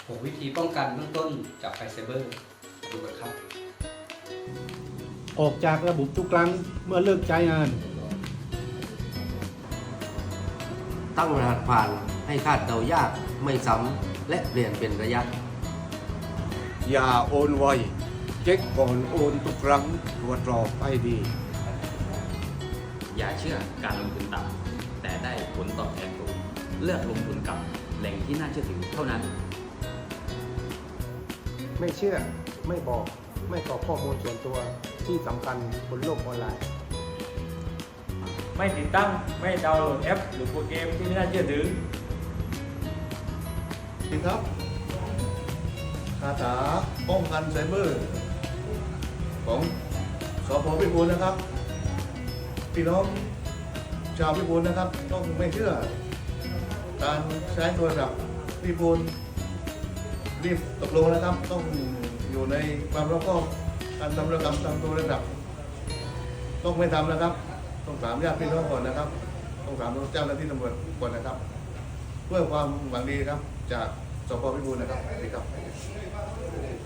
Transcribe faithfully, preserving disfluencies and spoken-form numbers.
หกวิธีป้องกันเบื้องต้นจากภัยไซเบอร์มาดูกันครับออกจากระบบทุกครั้งเมื่อเลิกใช้งานตั้งรหัสผ่านให้คาดเดายากไม่ซ้ำและเปลี่ยนเป็นระยะอย่าโอนไวเช็คก่อนโอนทุกครั้งตรวจสอบให้ดีอย่าเชื่อการลงทุนต่ำแต่ได้ผลตอบแทนสูงเลือกลงทุนกับแหล่งที่น่าเชื่อถือเท่านั้นไม่เชื่อไม่บอกไม่กรอกข้อมูลส่วนตัวที่สำคัญบนโลกออนไลน์ไม่ติดตั้งไม่ดาวน์โหลดแอป หรือโปรแกรมที่ไม่น่าเชื่อถือสวัสดีครับคาถาป้องกันไซเบอร์ของสพพิบูลนะครับพี่น้องชาวพิบูลนะครับต้องไม่เชื่อการใช้โทรศัพท์พิบูลรีบตกลงนะครับต้องอยู่ในความรอบคอบการทำธุรกรรมทางโทรศัพท์ต้องไม่ทำนะครับต้องถามญาติพี่น้องก่อนนะครับต้องถามเจ้าหน้าที่ตำรวจก่อนนะครับเพื่อความหวังดีครับจากสพพิบูลนะครับสวัสดีครับ